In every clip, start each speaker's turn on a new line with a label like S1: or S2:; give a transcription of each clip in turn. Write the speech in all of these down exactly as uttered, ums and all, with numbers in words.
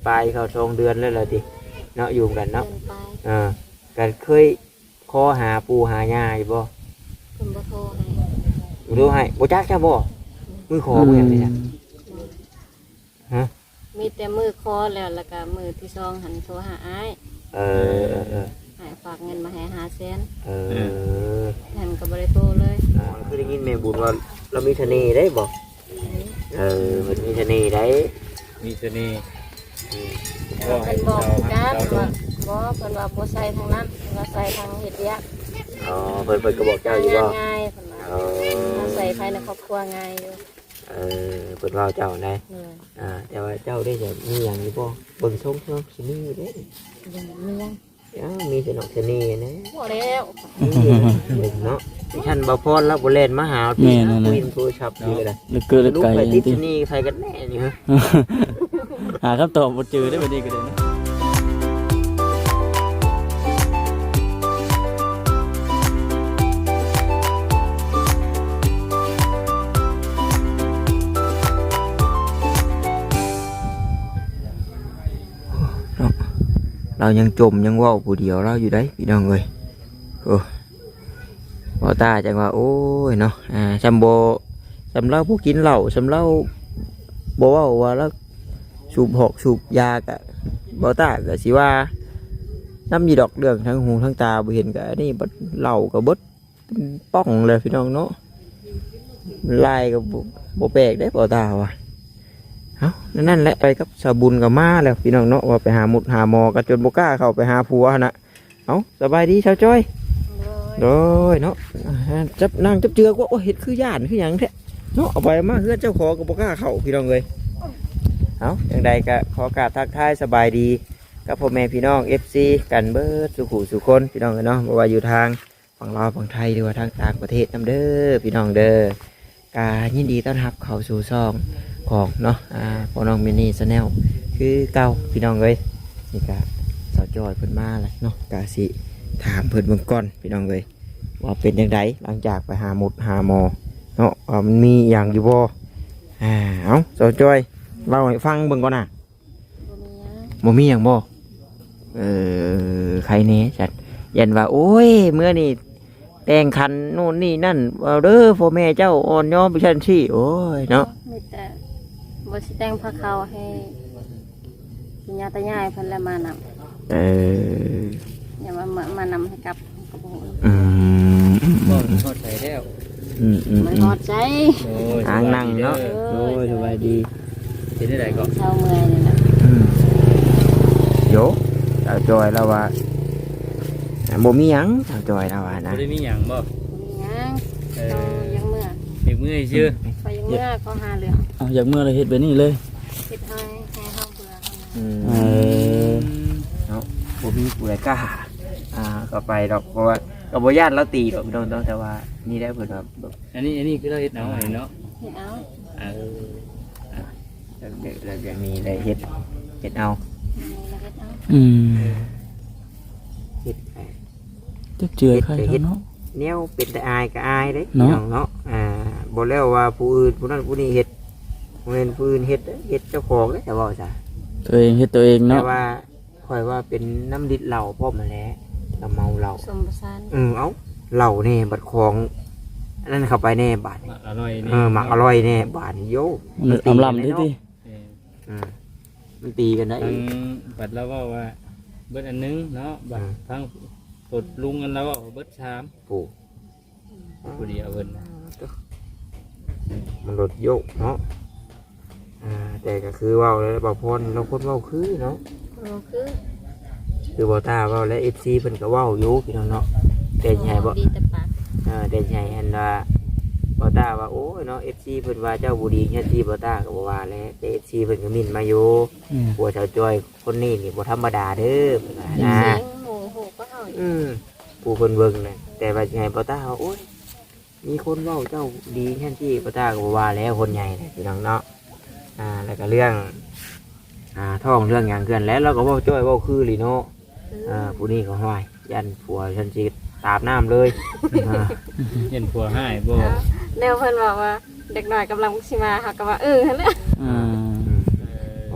S1: ปลายเข้าสองเดือนแล้วล่ะติเนาะอยู่กันเนาะเออกันเคยขอหาปู่หาย่าอยู่บ่
S2: เพิ่นบ่โทรให้
S1: บ่โทรให้บ่จักจ้ะบ่มือขอบ่หยังนี่จ้ะฮะ
S2: มีแต่มือคอแล้วแล้วก็มือที่สองหันโทรหาอ้าย
S1: เออเออ
S2: ให้ฝากเงินมาให้ห้าแสน
S1: เออ
S2: หันก็บ่ได้โทรเลย
S1: อ๋อคือได้ยินแม่บุญว่าเรามีเสน่ห์ได้บ่เออมันมีเสน่ห์ได้
S3: มีเสน่ห์
S2: ก็ให้บอกกันว่าบ่เพิ่นว่าบ่ใส่ทางนั้นว่าใส่ทางเฮ็ดเวียก
S1: อ๋อเพิ่นเพิ่นก็บอกเจ้าอยู่บ่
S2: ง่ายๆเพิ่นว่าใส่ภายในครอบครัวง่ายอยู่
S1: เออเพิ่นว่าเจ้าได้อ่าแต่ว่าเจ้าได้จะมีหยังอยู่บ่เบิ่งทรงเนาะสิมีอยู่เด้
S2: ยังมียัง
S1: อ้าวมีสนอกเสน่ห์นะ
S2: บ่แล้ว
S1: เนาะท่านบ่พรแล้วบ่เล่นมาหาพี่วินโทรศัพท์อยู่เลย
S4: ลึกเกินลึกไกล
S1: ติดเสน่ห์ใครกันแน่นี่ฮะ
S4: หาคำตอบบ่เจอได้บัดนี้ก็ได้นะ
S1: เรายังจมยังว่าวผู้เดียวเราอยู่ได้พี่น้องเอ้ยโอ้พอตาจังว่าโอ้ยเนาะอ่าซำโบซำเล่าผู้กินเหล้าซำเล่าบ่ว่าว่าแล้วสูบหอกสูบยากะบ่ตาก็สิว่าน้ำยีดอกเรื่องทั้งหูทั้งตาบ่เห็นก็อันนี้บัดเหล้าก็เบิดป้องเลยพี่น้องเนาะลายก็บ่แปลกได้บ่ตาว่ะเอานั่นแหละไปกับสาบุญกับมาแล้วพี่น้องเนาะว่าไปหาหมุดหาหมอกันจนบกล้าเข้าไปหาผัวนะเอาสบายดีชาวจ้อยโดยเนาะจับนั่งจับเจือกว่าโอ้เห็ดคือย่านคืออย่างแท้เนาะเอาไปมาเฮือนเจ้าของกับบกล้าเข้าพี่น้องเลยเอาอย่างใดก็ขอกราบทักทายสบายดีกับพ่อแม่พี่น้องเอฟซีกันเบิร์ดสุขุสุคนพี่น้องเลยเนาะว่าอยู่ทางฝั่งลาวฝั่งไทยหรือว่าทางต่างประเทศน้ำเด้อพี่น้องเด้อกายินดีต้อนรับเข้าสู่ซองของเนาะอ่าพอน้องมินี่ชาแนลคือเก่าพี่น้องเลยนี่กะสาวจอยเพิ่นมาแล้วเนาะกะสิถามเพิ่นเบื้องก่อนพี่น้องเลยว่าเป็นยังไงหลังจากไปหาหมุดหาหมอเนาะว่ามันมีอย่างอยู่บ่อ่าเอาสาวจอยเล่าให้ฟังเบื้องก่อนน่ะบ่มีอย่างบ่เออใครเน่จัดยันว่าโอ้ยเมื่อนี่แต่งคันนู่นนี่นั่นว่าเด้อพ่อแม่เจ้าอ่อนย้อมไปชั้นที่โอ้ยเนาะ
S2: มีแต่บ่สิแต่งพระเขาให้ญาติญาติเพิ่นละมานำ
S1: เออ
S2: อย่ามามานำให้กับกับผม
S1: อืม
S3: บ่ทอดใส่แล้ว
S1: อืมอืม
S2: มันฮอดใจ
S1: ทางนั่งเนาะโอ้ยสบายดี
S3: เป็นได้ไดก็
S2: เช้าเมื่อยนี่ล่ะ
S1: โยสาวจอยแล้วว่าบ่มีหยังสาวจอยแล้วว่านะ
S3: บ่ได้มีหยังบ่
S2: มีหยังเออยังเมื่อ
S3: เฮ็ดมื้อซื่อ
S2: พอยังเมื่อก็หาเรื่อง
S4: เอาอยากเมื่อเลยเฮ็ดแบบนี้เลย
S2: เฮ็ดให้ให้เฮาเบื่อ
S1: อืมเออเนาะบ่มีผู้ใดกล้าอ่าก็ไปดอกเพราะว่าก็บ่ญาติเราตีดอกพี่น้องแต่ว่านี่ได้เพิ่นว่าแบบ
S3: อันนี้อันนี้คือเราเฮ็ดเอาเนาะ
S2: เฮ็ดเอา
S3: เออ
S1: อ่าแล้วอย่างนี้ได้เฮ็ดเฮ็ดเอา
S4: อืม
S1: เฮ็ด
S4: จักเจือใครเนาะ
S1: แนวเป็นแต่อายก็อายเด้พี่น้องเนาะอ่าบ่แล้วว่าผู้อื่นผู้นั้นผู้นี้เฮ็ดบ่แม่นผู้อื่นเฮ็ดเฮ็ดเจ้าของเด้แต่ว่าจ้ะ
S4: ตัวเองเฮ็ดตัวเองเนาะ
S1: แต่ว่าค่อยว่าเป็นน้ำดิดเหล้าพร้อมมาแล้วก็เมาเหล้า
S2: สมประสาน
S1: เออเอ้าเหล้าแน่บัดของอันนั้นเข้าไปแน่บาด
S3: อร่อยนี่
S1: เออหมักอร่อยแน่บาดโย
S4: มันอำลำติติ
S1: อืมมันตีกันได้
S3: ทั้งบัดแล้วว่าว่าเบิดอันนึงเนาะบัดทั้งกดลุงกันแล้วว่าเบิดชาม
S1: ปู่
S3: ผู้เดียวเพิ่น
S1: มันรถโยกเนาะอ่าแต่ก็คือว่าแล้วบ่พรเราคนเว้าคือเนาะ
S2: คือ
S1: คือบ่ตาเว้าและ เอฟ ซี เพิ่นก็เว้าอยู่พี่น้องเนาะแต่ใหญ่บ่
S2: ดีแต่ปาก
S1: เออแต่ใหญ่อันว่าบ่ตาว่าโอ้ยเนาะ เอฟ ซี เพิ่นว่าเจ้าบ่ดีแค่ที่บ่ตาก็บ่ว่าแล้วแต่ เอฟ ซี เพิ่นก็มิ่นมาอยู่ผัวชาวจอยคนนี้นี่บ่ธรรมดาเด้อเพิ่นว่านะ
S2: หมูโหก็เฮา
S1: อืมผู้เพิ่นเบิ่งน่ะแต่ว่าใหญ่บ่ตาว่าโอ้ยมีคนเว้าเจ้าดีแค่ที่บ่ตาก็บ่ว่าแล้วคนใหญ่พี่น้องเนาะอ่าแล้วก็เรื่องอ่าท้องเรื่องหยังเกินแล้วเราก็เว้าจ้อยเว้าคือลิเนาะอ่าผู้นี้ก็ห้อยยันผัวฉันสิตาบน้ำเลย
S3: เห็นผัวให้บ่
S2: แนวเพิ่นบอกว่าเด็กน้อยกำลังสิมาเฮาก็ว่าเออหั่นแหละ
S1: อืมผมต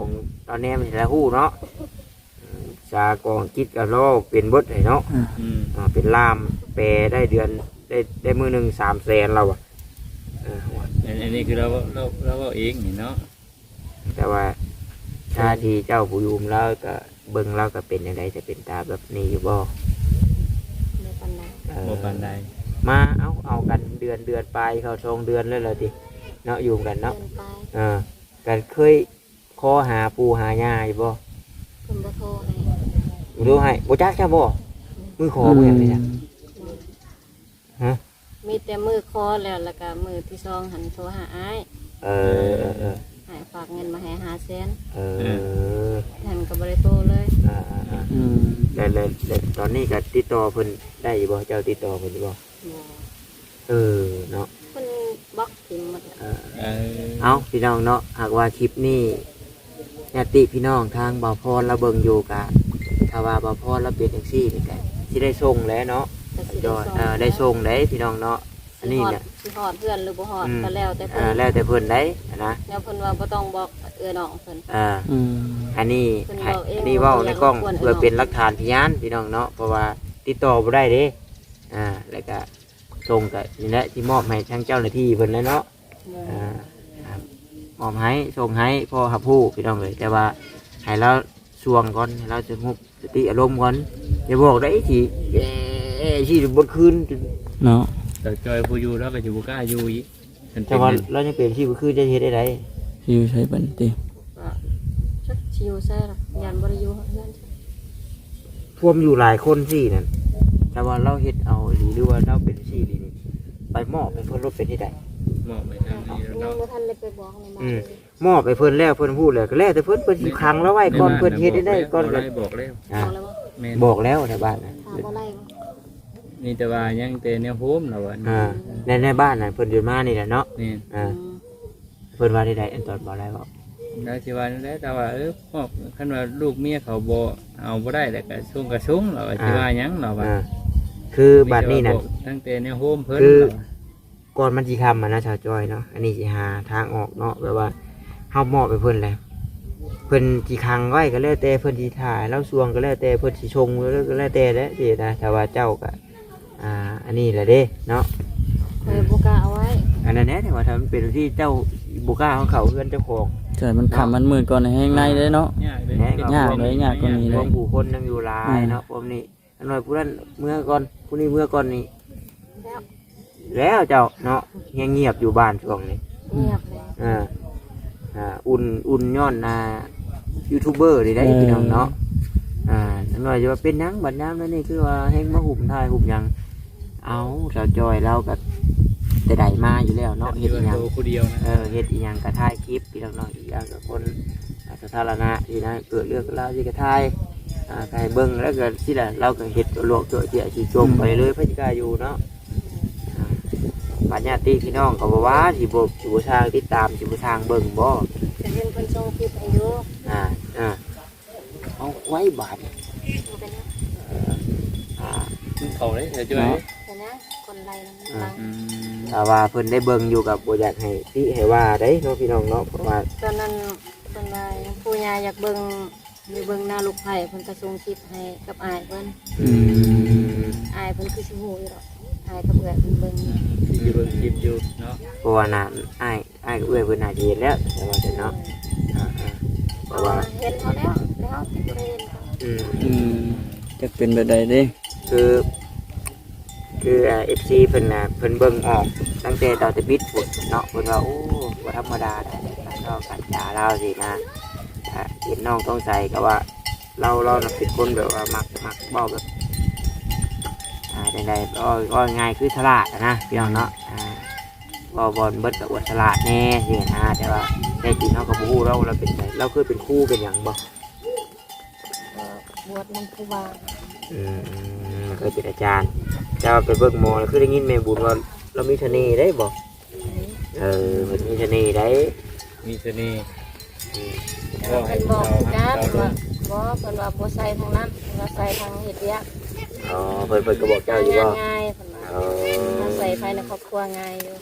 S1: เราแนมเห็นแล้วฮู้เนาะอืมสากองคิดกับเราเป็นเบิดให้เนาะ
S3: อืม
S1: อ่าเป็นล่ามแปลได้เดือนได้ได้มื้อหนึงสามแสนเราอ่ะเออ
S3: อันอันนี้คือเราเราเราเอาเองนี่เนาะ
S1: แต่ว่าถ้าที่เจ้าผู้ยุมแล้วก็เบิ่งแล้วก็เป็นจังไดจะเป็นตาแบบนี้อยู่บ่
S2: ในปันใด
S1: เออ
S3: บ่ปานใด
S1: มาเอาเอากันเดือนเดือนไปเข้าชงเดือนเลยเลยทีเนาะอยู่กัน
S2: เดิ
S1: เนาะ
S2: นไป
S1: เออกันเคยคอหาปูหาหญ้าอยู่บ่
S2: เพิ่นบ่โทรให้
S1: ดูให้บ่จักจ้าบ่มือขอบ่อย่างนี้จ้ะฮะ
S2: มีแต่มือคอแล้วแล้วก็มือที่สองหันโทรหาอ้าย
S1: เออเออเออ
S2: ให้ฝากเงินมาให้ห้าแสน
S1: เออ
S2: ท่านก็บ่ได้โทรเลย
S1: อ่าอ่าอ่า
S4: อืม
S1: แล้วแล้วแล้วตอนนี้ก็ติดต่อเพิ่นได้อยู่บ่เจ้าติดต่อเพิ่นอยู่บ่
S2: บ่
S1: เออเนาะ
S2: เพิ่นบล็อกทิ่มหมดแล้ว
S1: เออ
S3: เออ
S1: เอาพี่น้องเนาะหากว่าคลิปนี้ญาติพี่น้องทางบ่าวพรเราเบิ่งอยู่กะถ้าว่าบ่าวพรเราเป็นจังซี่นี่ก็สิได้ส่งแหล้วเนาะ
S2: ก็สิ
S1: ยอดเออได้ส่งได้พี่น้องเนาะอันนี้เนี่ย
S2: สิฮอดเพื่อนหรือบ่ฮอด
S1: อืม
S2: ก็แล้วแต่
S1: เอ
S2: เพิ่
S1: อน แล้วแต่เพิ่นได้นะ
S2: แล้วเพิ่นว่าบ่ต้องบอกเอื้อน้องเพิ่น
S1: อ่า
S4: อืม
S1: อันนี้
S2: เพิ่น
S1: ให้
S2: บอกเอง
S1: อันนี้เว้าในกล้อง
S2: ว่าอย่ารบกวน
S1: เพื่อเป็นหลักฐานพยานพี่น้องเนาะเพราะว่าติดต่อบ่ได้เด้อ่าแล้วก็ส่งก็นี่แหละที่มอบให้ทางเจ้าหน้าที่เพิ่นแล้วเนาะอ่าครับมอบให้ส่งให้พ่อหับผู้พี่น้องเลยแต่ว่าให้เราสวงก่อนให้เราสงบสติอารมณ์ก่อนอย่าบอกได้ที่เอ้ที่บนคืน
S4: เนาะ
S3: แต่จอยผู้อยู่แล้วก็อยู่บ่กล้าอยู่อีกมัน
S1: แต่
S3: เป็น
S1: ว่า
S3: เงิน
S1: เราจะเป็นที่บนคืนจะเฮ็ดได้ไร
S4: อยู่ใช้บันติ
S2: ก็ชักชิวใส่หรอกยันบ่ได้อยู่เฮือน
S1: ท่วมอยู่หลายคนสินั่นแต่ว่าเราเฮ็ดเอาหรือว่าเราเป็นที่ดีนี่ไปมอบไปเพิ่นรถเป็นที่ใด
S3: มอบไปทางนี้แล้ว
S2: ยัง
S3: เนาะ
S2: บ่ทันได้ไปบอกในบ้าน
S1: อืม
S2: เลย
S1: มอบไปเพิ่นแล้วเพิ่นพูดแล้วก็แล้วแต่เพิ่นเพิ่นสิขังแล้วไว้ก่อนเพิ่นเฮ็ดได้ได้ก่อน
S3: บ
S1: ก็
S3: ได้บอกแล้ว
S1: อ่า
S2: บอกแล้วว่า
S3: แม่น
S1: บอกแล้วในบ้านน่ะ
S2: ถามบ่ไล่บ่
S3: นี่แต่ว่ายังแต่แนวโฮมเราอ่ะ
S1: อ่าในในบ้านน่ะเพิ่นอยู่มานี่แหละเนาะ
S3: นี่
S1: อ่า
S2: อืม
S1: เพิ่นว่าที่ใดอันตอนบ่ได้บอก
S3: แล้วสิว่านั่นแหละแต่ว่าเออมอบคันว่าลูกเมียเขาบ่เอาบ่ได้แล้วก็ส่งก็ส่งเราก็สิว่าหยังเราว่า
S1: อ่าคือบัดนี้น่ะ
S3: ตั้งแต่แนวโฮมเพิ่น
S1: คือ
S3: เราอะ
S1: ก่อนมันสิคํอ่ะนะชาวจอยเนาะอันนี้สิหาทางออกเนาะแบบว่าเฮามอบไปเพิ่นแล้วเพิ่นสิขังไว้ก็แล้วแต่เพิ่นสิถ่ายแล้วสวงก็แล้วแต่เพิ่นสิชงแล้วก็แล้วแต่แหละสินะแต่ว่าเจ้าก็อ่าอันนี้แหละเด้เนาะ
S2: เคยบ่กล้าเอาไว้
S1: อันนั้นแหละแต่ว่าถ้ามันเป็นที่เจ้าบุกล้าของเขาเพื่อนเจ้าของ
S4: ใช่มันขำมันมืดก่อนในแห้งในเลยเนาะ
S3: ยากเลย
S4: ยากเลยยากกว่านี้
S1: ร
S4: เล
S1: วมผู้คนนั่งอยู่หลายเนาะผมนี่อันน้อยผู้นั้นเมื่อก่อนผู้นี้เมื่อก่อนนี่
S2: แล้ว
S1: แล้วเจ้าเนาะเงียบเงียบอยู่บ้านช่วงนี้
S2: เงียบเลย
S1: อ่าอ่าอุ่นอุ่นย้อนนายูทูบเบอร์นี่ได้พี่น้องเนาะอ่าอันน้อยจะว่าเป็นหยังบัดน้ำนั่นนี่คือว่าแห้งมาหุ่มทายหุ่มหยังเอาสาวจอยเราก็แต่ใดมาอยู่แล้วเนาะ
S3: เฮ็
S1: เฮ็
S3: ด
S1: ด
S3: อ
S1: อีห
S3: ย่า
S1: ยัง ง
S3: ผู้เดียวนะ
S1: เออเฮ็ดอีหยังกระทายคลิปพี่น้องๆอีกอย่างกับคนสาธารณะที่นะเกิดเรื่องราวที่กระทายอ่าใครเบิ่งแล้วก็สิล่ะเราก็เฮ็ดตัวโลกตัวเจียสิจมไปเลยพระจิกาอยู่เนาะอ่าปัญญาติพี่น้องก็บ่ว่าสิบ่สิบ่ทางติดตามสิบ่ทางเบิ่งบ่
S2: จะเห็นเพิ่นส่งคลิปให้อยู่
S1: อ่าอ่าเอาไว้บาด
S2: บ่เป็นหยัง
S1: อ่า
S3: เขาเลยเดี๋ยวจะไป
S2: แต่นะคนไล่นำลัง
S3: อืม
S1: ถ้าว่าเพิ่นได้เบิ่งอยู่กับบ่อยากให้ติให้ว่าได้เนาะพี่น้องเนาะเพราะว่า
S2: ตอนนั้นเพิ่นว่าผู้ยาอยากเบิ่งหรือเบิ่งหน้าลูกไผ่เพิ่นก็ส่งคลิปให้กับอ้ายเพิ่น
S1: อืม
S2: อ้ายเพิ่นคือสิฮู้อยู่ดอกอ้ายกับเอื้อยเพิ่นเบิ่งอยู่
S3: อยู่เบิ่งคลิปอยู่เนาะ
S1: เพราะว่าน่ะอ้ายอ้ายก็เอื้อยเพิ่นน่าจะเห็นแล้วแต่ว่าแต่เนาะอ่าอ่าเพ
S2: เพ
S1: ราะ
S2: ราะ
S1: ว่า
S2: ว่าเห็นเขาแล้วแล้วแต่บ่ได้เห็นเขา
S1: อืม
S4: อืมจะเป็นแบบใดเด้
S1: คือคือเอฟซีเพิ่นน่ะเพิ่นเบิ่งออกตั้งแต่ตอนจะบิดฝุ่นเนาะเพิ่นว่าโอ้บ่ธรรมดาได้การนอกกันจาเราสินะอ่าเห็นน้องต้องใส่ก็ว่า เราเราน่ะเป็นคนแบบว่ามักมักเว้าแบบอ่าใดๆก็ก็ง่ายคือฉลาดอะนะพี่น้องเนาะอ่าเว้าบอลเบิดก็อวดฉลาดแน่สินะแต่ว่าแต่จริงเฮาก็บ่ฮู้เราเราเป็นไสเราเคยเป็นครูเป็นหยังบ่
S2: ก็บวชนำครูบา
S1: อืมเคยเป็นอาจารย์เจ้าไปเบิกหมอแล้วคือได้ยินแม่บุญว่าเรามีเสน่ห์ได้บ่เออมันมีเสน่ห์ได้
S3: มีเสน่ห์
S1: อืม
S3: ก็ให้
S2: เพิ่นบอก
S3: เรา
S2: คือกัน
S3: เรา
S2: ว่าบ่เพิ่นว่าบ่ใส่ทางนั้นเพิ่นว่าใส่ทางเฮ็ดเวียก
S1: อ๋อเพิ่นเพิ่นก็บอกเจ้าอยู่บ่
S2: ง่ายๆเพิ่นว่า
S1: เออ
S2: ถ้าใส่ภายในครอบครัวง่ายอยู่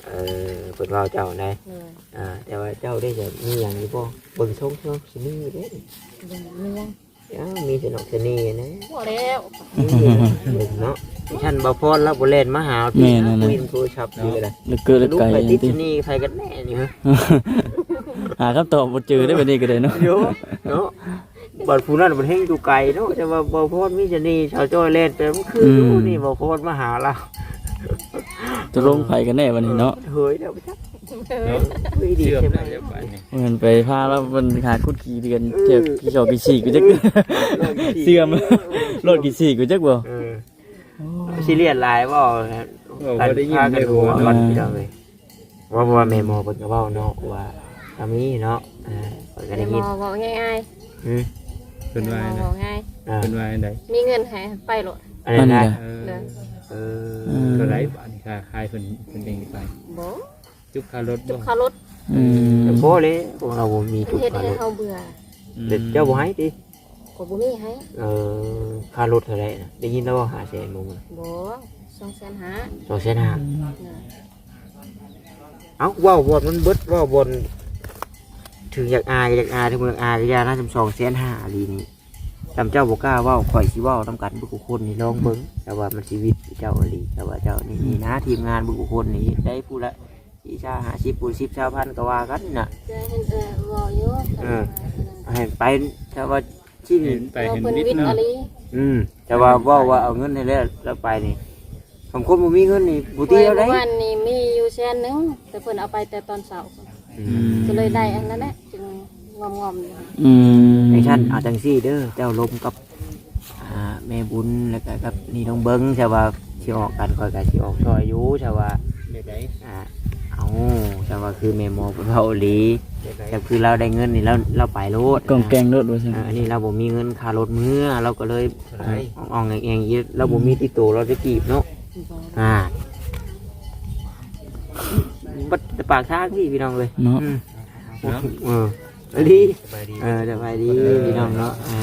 S1: เออเพิ่นเว้าเจ้าได้
S2: เลย
S1: อ่าแต่ว่าเจ้าได้จะมีหยังอยู่บ่เบิ่งชงเนาะสิมีอยู่เด้
S2: เบิ่งมียัง
S1: อ้าวมีสนอกเสน่ห์นะ
S2: บ่แล้ว
S1: เบิ่งเนาะท่านบ่พรแล้วบ่เล่นมาหาพี่นะคุยโทรศัพท์อยู่ก็ได้
S4: ลึกเกินลึก
S1: ลูก
S4: ไกล
S1: ไป
S4: จ
S1: ติด
S4: ริง
S1: ที่นี่ใครกันแน่นี่ฮะ
S4: หาคำตอบบ่เจอได้แบบนี้ก็ได้เนาะ
S1: โยเนาะบัดผู้นั้นมันเฮงอยู่ไกลเนาะแต่ว่าบ่พรมีเสน่ห์ชาวจ้อยเล่นแต่มันคืออยู่นี่บ่พรมาหาเรา
S4: จะลงไผกันแน่วันนี้เนาะ
S1: เฮ้ยเดี๋ยวไปจัก
S3: เนาะ
S1: เฮ้ยดี
S3: เชื่อม
S1: ใช่ไหม
S3: ได้เดี๋ยวไปนี่
S4: มันไปพาแล้วมันหาคุดขี่กันเจ็บกี่ชอบกี่ฉีกกูจักเสื่อมรถกี่ฉีกกูจักบ่
S1: เออซีเรียสหลายบ่
S3: โอ้บ่ได้ยิน
S1: กั
S3: ได้
S1: น
S3: หั
S1: หั
S3: ว
S1: วกันพี่น้องเอ้ยว่าว่าแม่หมอเพิ่นก็เว้าเนาะว่าทำนี้เนาะอ่าเพิ่นก็
S2: แต่
S1: ได้
S2: หม
S1: ยิน
S2: อบอกง่าย
S1: อืม
S2: ๆ
S3: เป็นว่า
S2: หมอ
S3: ไง
S2: บอกง่าย
S1: อ่า
S3: เป็นว่าไง
S2: มีเงินให้ไปโลด
S1: อันนั้นนะ
S3: เออ
S2: เลย
S1: เออ
S3: เท่าไหร่บาทนี่ค่าขายเพิ่นเพิ่นเองไป
S2: บ่
S3: จุกค่ารถ
S2: จุ
S3: บ่
S2: กค่ารถ
S4: อืม
S1: แต่พอเลยพวกเราบ่มี
S2: เพิ่
S1: จุ
S2: น
S1: ด
S2: เฮ็ด
S1: ค่า
S2: ให้
S1: รถ
S2: เฮาเบื่อ
S1: เด็กเจ้าบ่ให้ติ
S2: ก็บ่มีให้
S1: เออค่ารถเท่าไหร่น่ะได้ยินแล้วว่าห้าแสนบ่มื้อ
S2: บ่สองแสนห้า
S1: สองแสนห้า
S2: เนอะ
S1: เอ้าเว้าบ่มันเบิดเว้าบ่ถึงอยากอายอยากอายถึงอยากอายก็อย่านะจำสองแสนห้าอีหลีนี่จำเจ้าบ่กล้าเว้าข่อยสิเว้านํกันเบิกคนนี่ลองเบิ่งแต่ว่ามันชีวิตเจ้าอีหลีแต่ว่าเจ้านี่นี่นะทีมงานเบิกคนนี่ได้ผู้ละสี่ชาห้าสิบผู้สิบชาวพันก็ว่ากันน่ะ
S2: จะเห็นเออบ่อยู่
S1: เออ ให้ไปแต่ว่าที่
S3: เห็
S1: นี่
S3: นไป
S2: เรา
S3: เห็น
S2: เพิ่น
S3: วิท
S2: วิท
S3: ย์
S2: ย์
S3: เนาะ
S2: อะลี
S1: อืมแต่ว่าเว่าว่าเอาเงินให้แล้วแล้วไปนี่คำคนบ่มีเงินนี่บ่ตีเอาได้
S2: เมื่อวานนี้มีอยู่แสนหนึงแต่เพิ่นเอาไปแต่ตอนเช้า
S1: อื
S4: อื
S1: ม
S4: ม
S2: ก็เลยได้อันนั้นแหละจึงงอมๆอยู่
S4: อืม
S1: ไอ้ท่านเอาจังซี่เด้อเจ้าลมกับอ่าแม่บุญแล้วก็กับนี่น้องเบิ้งใช่ว่าสิออกกันค่อยก็สิออกซอยอยู่ใช่ว่า
S3: เด็ดได้
S1: อ่าเอาใช่ว่าคือแม่หมอเพิ่นเว้าอีหลี
S3: เด็ดได้
S1: แต่คือเราได้เงินนี่เราเราไปโลด
S4: กองแกงรถว่าซั่น
S1: อ่าอันนี้เราบ่มีเงินค่ารถมื้อเราก็เลยอ่องๆแองๆอีเราบ่มีติดตัวเราจะกีบเนาะ อ่าบัดปากทางพี่พี่น้องเลย
S4: เนาะ
S1: อืม
S3: เนาะ
S1: เออสวัสดี
S3: สบายดี
S1: เออสบายดีพี่น้องเนาะอ่า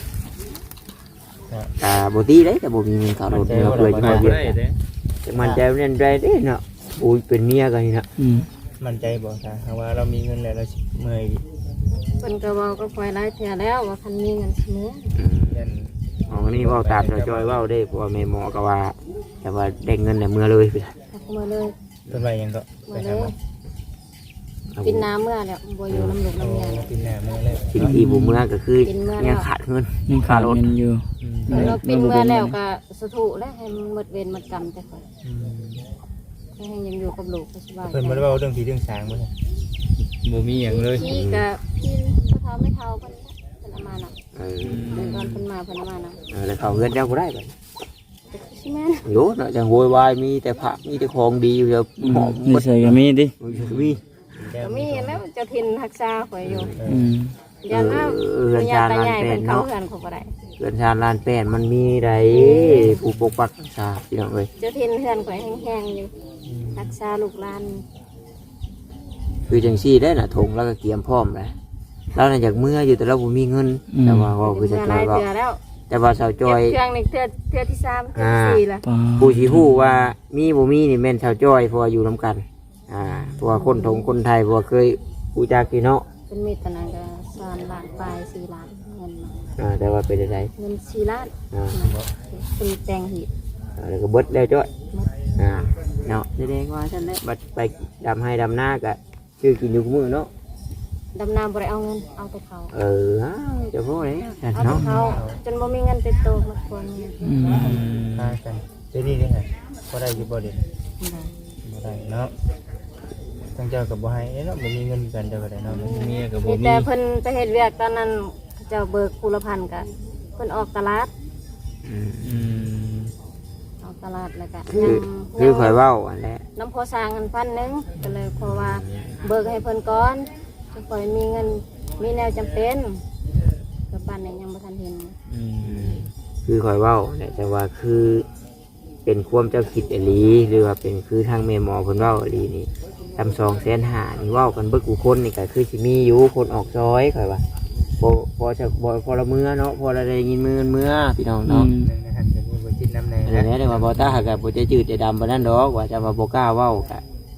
S1: แต่บตีได้แต่บ่มีเงินขับรถเนาะเพื่อจะ
S3: ไป
S1: มา
S3: บ่
S1: เบียด
S3: ได้
S1: กัน
S3: เด้
S1: แต่มันใจเล่นได้เด้เนาะโอ้ยเป็นเมียกันนี่เนาะ
S4: อืม
S5: มั่นใจบอกจ้าว่าเรามีเงินแล้วเราสิเมื่อย
S2: เพิ่นก็เว้าก็ปล่อยหลายเทื่อแล้วว่าคันมีเงินเสมอ
S1: อืม
S5: ยัน
S1: อ๋อนี่เว่าตามเราจอยเว่าได้เพราะว่าแม่หมอก็ว่า แต่ว่าได้เงินในเมื่อเลยพี่
S2: เอามาเลย
S5: ต้นไม้ยังก็ไป
S2: มาเล
S5: หาย หมอ
S2: กินน้ำเมื่อแล้วบ่อยู่น้ำหลุกน้ำเมียแล้ว
S5: กินหน้ามือเลย
S1: สิ่งที่บุเมื่อก็คือ
S2: กินเมื่อแล้ว
S1: ยังขาดเงิน
S4: ยังขาดเงินอยู่
S5: อืม
S4: อืม
S2: เราปินเมื่อแล้วก็สถูแล้วให้มันหมดเวรหมดกรรมแต่ค่อย
S5: อืม
S2: ให้ยังอยู่กับลูกก็สบาย
S5: เพิ่นบ่ได้เว้าเรื่องผีเรื่องสางบ่ใช่
S3: บ่มีหยังเลย
S2: พี่ก็พี่เท่าไม่เท่าเพิ่นเพิ่นเอามาน่ะ
S1: เออ
S2: เพิ่นตอนเพิ่นมาเพิ่นเอามาน่ะ
S1: เออแล้วเขาเงินเจ้าก็ได้ไป
S2: แต่คือสิแม่น
S1: โยนอะจังโวยวายมีแต่ผักมีแต่ของดีอยู่เดี๋ยวหอมหม
S4: นี่
S1: ด
S4: ใส่ก็มีดิ
S1: มี
S2: ก็มีแล้วเจ้าถิ่นรักษาข่อยอยู่
S4: อืม
S2: ยันว่า
S1: เออ
S2: ปัญญา
S1: เรือนชา
S2: ตา
S1: ลาน
S2: ใหญ่
S1: แป
S2: เพิ่
S1: น
S2: นเข้า
S1: เนาะ
S2: เฮือนเขาบ่ได้
S1: เรือนชาลานแปนมันมีไรผู้ปกปักรักษาพี่น้องเอ้ย
S2: เจ้าถิ่นเฮือนข่อยแห้งๆอยู่รักษาลูกหลาน
S1: คือจังซี่ได้น่ะทงแล้วก็เกียมพร้อมเลยเราน่ะอยากเมื่ออยู่แต่เราบ่มีเงินแต่ว่าเว่าคือ
S2: เมื่
S1: จะ
S2: อ
S1: จ
S2: ห
S1: อ
S2: ลาย ย
S1: ว่า
S2: เทื่อแล้ว
S1: แต่ว่าสาวจ
S2: เก็
S1: อบ ย
S2: เครื่องนี่เทื่อเทื่อที่สามเทื่อที่สี่ละ
S4: ปลา
S1: ผู้สิฮู้ว่ามีบ่มีนี่แม่นสาวจอยเพราะว่าอยู่นํกันอ่าเพราะว่าคนทงคนไทยเพราะว่าเคยรู้จักพี่เนาะ
S2: เป็นมีดตะนังก็สามล้านปลายสี่ล้านเงินมา
S1: อ่าแต่ว่าเป็นจังได
S2: เงินสี่ล้าน
S1: อ่า
S2: เป็นแตงหีบ
S1: อ่าแล้วก็เบิดแล้วจ้อยอ่าเนาะแสดงว่าฉันได้บัดไปดำให้ดำหน้าก็ชื่อกินอยู่กับมือเนาะ
S2: ดำน้ำบ่ได้เอาเงินเอาแต่เขา
S1: เอออ้าวเจะพูดเลยฉัน
S2: เอาแต่
S1: เนาะ
S2: เขาจนบ่มีเงินติดตัวมาควรเงิน
S4: อืม
S5: พากันเดี๋ยวนี้ได้ไงบ่ได้อยู่บ่เด่นบ่ได้เนาะทั้งเจ้ากับบ่ให้เนาะบ่มีเงินกันเจ้าก็ได้เนาะ
S3: เมียก็บ่
S2: มี
S3: มี
S2: แต่เพิ่นไปเฮ็ดเวียกตอนนั้นเจ้าเบิกคูละพันก็เพิ่นออกตลาด
S1: อืม
S3: อืม
S2: ออกตลาดแล้วก็
S1: คือ
S2: ยัง
S1: คือข่อยเว้าอันแหละ
S2: น้ำพอสร้างเงินพันหนึงก็เลยเพราะว่าเบิกให้เพิ่นก่อนจะค่อยมีเงินมีแนวจำเป็นก็ปานนี้ยังบ่ทันเห็น
S3: อืม
S1: อืมคือข่อยเว้าเนี่ยแต่ว่าคือเป็นความเจ้าคิดอหลีหรือว่าเป็นคือทางแม่หมอเพิ่นเว้าอหลีนี่ทำสองแสนหานี่เว้ากันเบิกกูคนนี่ก็คือสิมีอยู่คนออกซอยข่อยว่าพอพอจะบ่พอละเมื่อเนาะพอละได้ยินมือเมื่อพี่น้อง
S4: อื
S1: เนาะ
S4: ม
S5: นั่นนะฮะก็มีบ่จิตน้ำแน่
S1: อันนี้ได้ว่าบ่ตาหากะบ่จะจืดจะดำปานนั้นดอกว่าจะว่าบ่กล้าเว้ากะ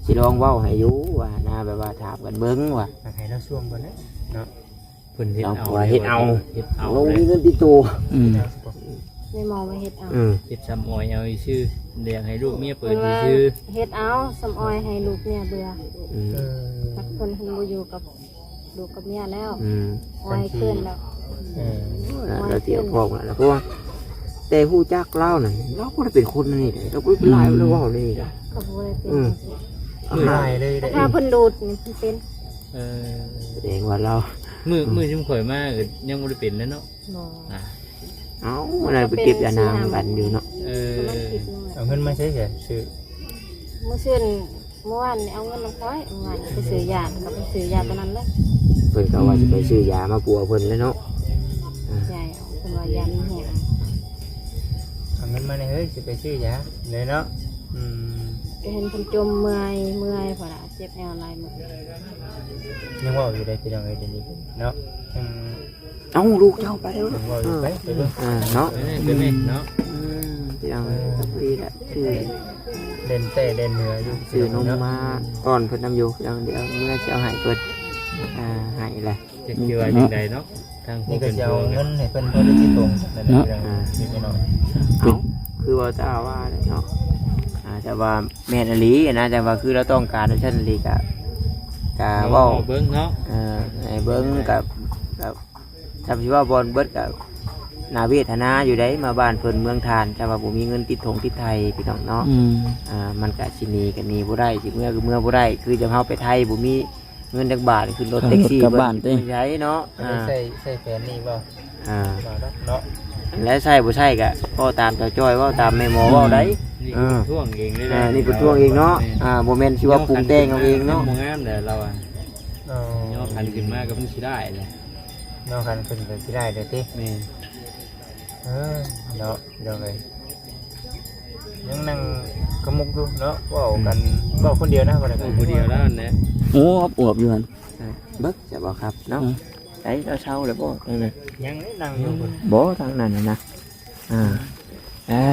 S1: สิลองเว้าให้อยู่ว่านะแบบว่าถามกันเบิ่งว่า
S5: ให้เราช่วงก่อนนะเนาะ
S3: เพิ่นเฮ็ดเอา
S1: เอาว่าเฮ็ดเอา
S3: เฮ็ดเอา
S1: ลง
S3: เลย
S1: มีเงินติดตัว
S4: อืม
S2: ในมองมาเฮ็ดเอา
S1: อืม
S3: เฮ็ดซ้ำออยเอาอีชื่อเลี้ยงให้ลูกเมียเปิ
S2: เพิ่
S3: ด
S2: น
S3: อี
S2: ว่า
S3: ชื่อ
S2: เฮ็ดเอาสำออยให้ลูกเนี่ยเบื่อ
S1: อืม
S5: เออ
S2: ตักคนเพิ่นบ่อยู่กับลูกกับเมียแล้ว
S1: อืม
S2: ออยขึ้นแล้ว
S5: เออ
S1: เราเตียวพอกแล้วเพราะว่าแต่ฮู้จักเล่าน่ะเราบ่ได้เป็นคนนี่เด้เราบ่ได้เป็นลายเราเว้านี่เด้อ
S2: ก็บ่ได้เป็น
S1: อืม
S5: ไม่ได้เลยได้
S2: ถ้าเพิ่นดูดนี่เพิ่นเป็น
S3: เออ
S1: แสดงว่าเรา
S3: มือมือชุ่มข่อยมากยังบ่ได้เป็นแล้วเนาะ
S2: บ่
S3: อ่ะ
S1: เอ้าอะไรไปเก็บยานางกันอยู่เนาะ
S3: เออ
S2: มันผิดนึง
S5: เอาเงินมาใช้เสียซื้อ
S2: เมื่อคืนเมื่อวานนี่เอาเงินมาค่อยเมื่อวานไปซื้อยาก็ไปซื้อยาตัวนั้นเลย
S1: เพิ่นก็ว่าสิไปซื้อยามาปัวเพิ่นแล้วเนาะ
S2: ใช่เอาเพิ่นว่ายามันแห้ง
S5: เอาเงินมาในเฮ้ยสิไปซื้อยาเลยเนาะอืม
S2: ก็เห็นเพิ่นจมเมื่อยเมื่อยพอละเจ็บแอวหลายมื้อ
S5: ยังว่าอยู่ได้พี่น้องเอ้ยเดี๋ยวนี้เนาะยัง
S1: เอ้าลูกเจ้าไปแล้ว
S5: ยังว่าอยู่ไปไปเบิ่ง
S1: อ่าเนาะ
S3: เออเป็นไหมเนาะ
S1: อืมพี่น้องดีแหละชื่อ
S5: เด่นเต้เด่นเหนืออยู่
S1: ชื่อนมมาก่อนเพิ่นนำอยู่เดี๋ยวเดี๋ยวเมื่อจะเอาให้เพิ่นอ่าให้แหละ
S3: จะเกี่ยวอะไรจังใดเนาะทางผู้
S5: นี่ก็
S3: เป็น
S5: จะ
S3: พ่
S5: เอา
S3: อ
S5: เงินให้เพิ่นเพิ่นได้ที่ตรงนั่นแหละพี่น้องนี่พี่น้อง
S1: เอ้าคือว่าจะว่าเนี่ยเนาะอ่าแต่ว่าแม่นอหลีนะแต่ว่าคือเราต้องการในชั้นอหลีกะกะเว้า
S3: เบิ่งเนาะ
S1: เอ่อให้เบิ่งกับกับทำสิว่าบอลเบิดกับนาเวทนาอยู่ได้มาบ้านเพิ่นเมืองทานแต่ว่าบ่มีเงินติดถงติดไทยพี่น้องเนาะ
S4: อืม
S1: อ่ามันก็สิหนีก็หนีบ่ได้สิเมื่อก็เมื่อบ่ได้คือจะเฮาไปไทยบ่มีเงินจักบาทขึ้นรถแท็กซี่
S4: กลับบ้าน
S1: เพิ่
S4: เต้
S1: นใช้เนาะ
S5: ไม่
S1: อ่า
S5: ได้ใส่ใส่แฟนนี่บ่
S1: อ่า
S5: บ่เนาะเนาะ
S1: และใช่บ่ใช่ก็ก็ตามเจ้าจ้อยเว้าตามแม่หมอเว้าได้
S3: นี่คือท่วงเองได้
S1: อ่านี่เป็นตัวเองเนาะอ่าบ่แม่นสิว่าปรุงแต่งเอาเองเนาะ
S3: บ่งามแต่เราอ่ะ
S5: อ๋อย่
S3: อคันขึ้นมาก็มันสิได้เลย
S5: เนาะคันขึ้นก็สิได้เด้อติ
S3: แม่
S5: เออเนาะเดี๋ยวเลยยังนั่งกระมุกอยู่เนาะเว้ากันเว้าคนเดียวนะบ่ได้
S3: โอ้ผู้เดียวแล้วนะ
S4: โอ้อวบอยู่หั่น
S1: เบิกจะบ่ครับเนาะ
S4: อืม
S1: ไอ้เราเช่าแล้วบ่ทางนั้น
S5: ยังนี่นั่งอยู่พุ่น
S1: บ่ทางนั้นน่ะนะอ่าอ่า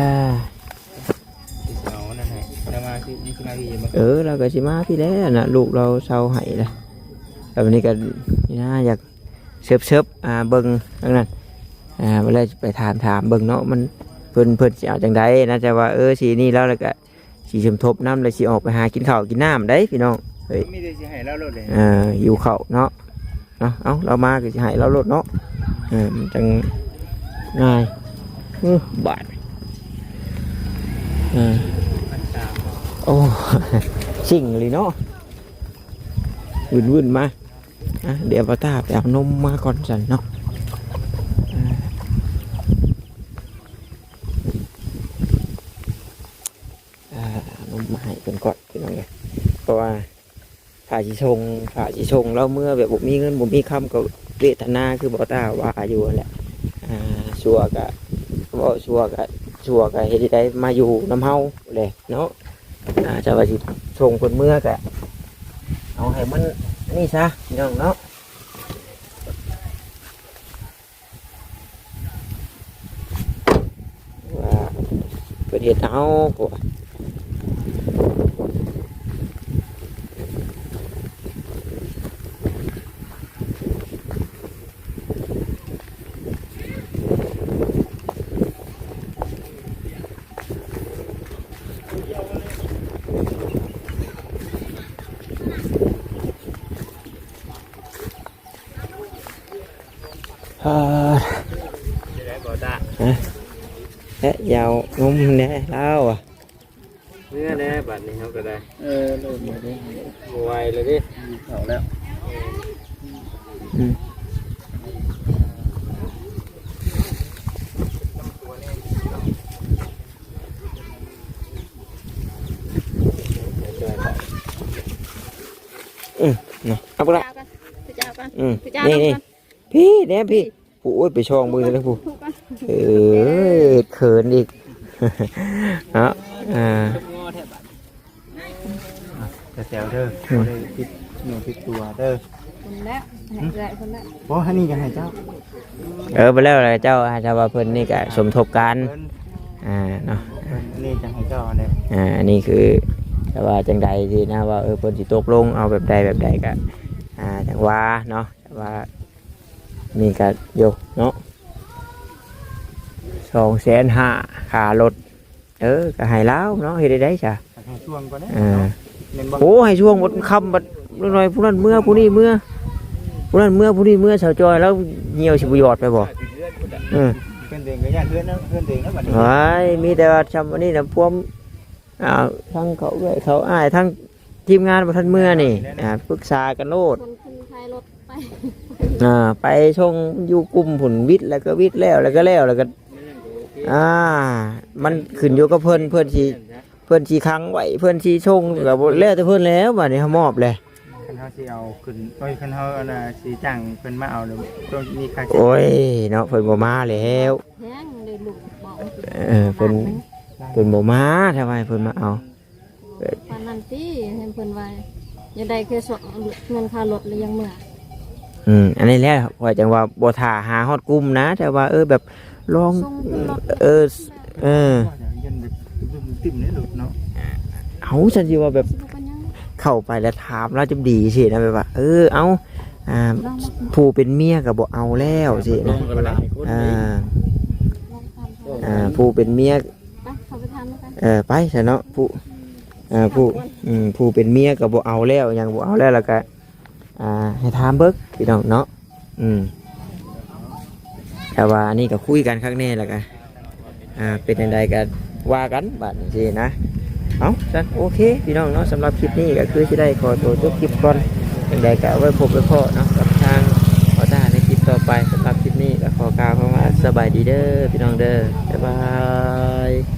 S3: เอานั่นให้จะมาคือนี่คือมาที่จะมา
S1: เออเราก็สิมาพี่แล้วน่ะลูกเราเช่าให้ละแล้ววันนี้ก็นี่นะอยากเชิบๆอ่าเบิ่งทางนั้นอ่าเวลาไปถามถามเบิ่งเนาะมันเพิ่นเพิ่นสิเอาจังไดนะจะว่าเออสีนี่แล้วแล้วก็สิสมทบน้ำแล้วสิออกไปหากินข้าวกินน้ำได้พี่น้องเฮ้ย
S5: มีแต่สิให้เราโลดเลย
S1: อ่าอยู่เขาเนาะเนาะเอาเรามาก็จะให้เราลดเนาะเออมันจังง่ายอื้อบาทอ่าโอ้ สิ่งเลยเนาะวุ่นวุ่นๆมาอ่ะเดี๋ยวป้าตาไปเอานมมาก่อนสันเนาะอ่าอ่านมมาให้เป็นก่อนพี่น้องเลยเพราะว่าฝ่ายสิชงฝ่ายสิชงเราเมื่อแบบบ่มีเงินบ่มีคำก็เวทนาคือบ่ตาว่าอยู่นั่นแหละอ่าชัวกะบ่ชัวกะชัวกะเฮ็ดได้มาอยู่น้ำเฮาเลยเนาะอ่าจะว่าสิชงคนเมื่อกะเอาให้มันนี่ซะพี่น้องเนาะว่าเกิดเหตุเอาพวก อ่า
S3: จะได้บ่ตา
S1: เอ๊ะยาวงมแน่แล้วอ่ะ
S3: เมื่อแน่บัดนี้เฮาก็ได้
S4: เออเริ่มมาได้
S3: บ่ไหวเลยดิ
S4: เอาแล้ว
S1: อืมอืมเนาะเอาไปละ
S2: พี่เจ้ากัน
S1: อืม
S2: พี่เจ้า
S1: นี่
S2: กัน
S1: นี่พี่เนี่ยพี่ผู้โอ้ยไปช่องมือแล้วผู้
S2: ถูกกัน
S1: เออเขินอีก เนาะอ่า
S5: แต่แซวเด้อบ่ได้ผิดเนื้อผิดตัวเด้อ
S2: คนแล้วให้เอื้อยคนแล้ว
S5: บ่ฮันนี่ก็ให้เจ้า
S1: เออไปแล้วอะไรเจ้าอาจจะว่าเพิ่นนี่ก็สมทบกัน
S5: เพิ่น
S1: อ่าเนาะ
S5: เพิ่นอันนี่จะให้เจ้าเด้อ
S1: อ่าอันนี้คือแต่ว่าจังใดที่นะว่าเออเพิ่นสิตกลงเอาแบบใดแบบใดก็อ่าจังว่าเนาะแต่ว่านี่ก็อยู่เนาะสองแสนห้าค่ารถเออก็ให้แล้วเนาะเฮ็ดได้ได้จ้ะ
S5: ให้ช่วงก่อนนะ
S1: อ่า
S5: แม่นบ่
S1: โอ้ให้ช่วงหมดคำบัดหน่อยผู้นั้นเมื่อผู้นี้เมื่อผู้นั้นเมื่อผู้นี้เมื่อชาวจอยแล้วเหี่ยวสิบหยอดไปบ่เออ
S5: เพื่อนเดินก็ย่านเพื่อนนะเพื่อนเดินนะบัดนี้
S1: ไว้มีแต่ว่าทำอันนี้นะพวกอ่าทั้งเขาเอ้ยเขาอ้ายทั้งทีมงานบ่ทันเมื่อนี่อ่าปรึกษากันโลด
S2: คนคนไทยรถไป
S1: อ่าไปชงอยู่กลุ่มผลวิทย์แล้วก็วิทย์แล้วแล้วก็แล้วแล้วก็อ่ามันขึ้นอยู่กับเพิ่นเพิ่นสิเพิ่นสิค้างไว้เพิ่นสิชงก็บ่แล้วแต่เพิ่นแล้วบัดนี้เฮามอบเลย
S5: คันเฮาสิเอาขึ้นโอ้ยคันเฮาอันน่ะสิจ้างเพิ่นมาเอาเดี๋ยวต้องมีค่าใช้
S1: โอ้ยเนาะเพิ่นบ่มาแล้ว
S2: แห้งเลยลูกบอก
S1: เออเพิ่นเพิ่นบ่มาทำไมเพิ่นมาเอา
S2: ปานนั้นติเห็นเพิ่นว่าอย่าได้แค่สองเงินค่ารถเลยยังเมื่อ
S1: อืมอันนี้แหละว่าจังว่าบ่ท่าหาฮอดกลุ่มนะแต่ว่าเออแบบลอง
S2: ส่งขึ้นรถ
S1: เออเออ
S5: ยันแบบติ่มๆนี่ลูกเนาะ
S1: เอาฉันสิว่าแบบ
S2: สิบ่เป็นหยัง
S1: เข้าไปแล้วถามแล้วจะดีสินะแบบว่า เออเอาอ่า
S2: ลองมา
S1: ผู้เป็นเมียก็บ่เอาแล้วสิ
S4: ล
S1: นะ
S4: งกันหลายคน
S1: อ่า
S2: ลองทำดู
S1: อ่าผู้เป็นเมีย
S2: ไปเขาไปทำแล้วกัน
S1: เออไปซะเนาะผู้อ่าผู้อืมผู้เป็นเมียก็บ่เอาแล้วหยังบ่เอาแล้วแล้วก็อ่าให้ถามเบิกพี่น้องเนาะอืมแต่ว่าอันนี้ก็คุยกันข้างแน่แล้วกันอ่าเป็นจังไดก็ว่ากันบัดนี้สินะเอาจันโอเคพี่น้องเนาะสำหรับคลิปนี้ก็คือสิได้ขอตัวจบคลิปก่อนจังไดก็เอาไว้พบไว้พอเนาะกับทางขอตาในคลิปต่อไปสำหรับคลิปนี้ก็ขอกล่าวคำว่าสบายดีเด้อพี่น้องเด้อบ๊ายบาย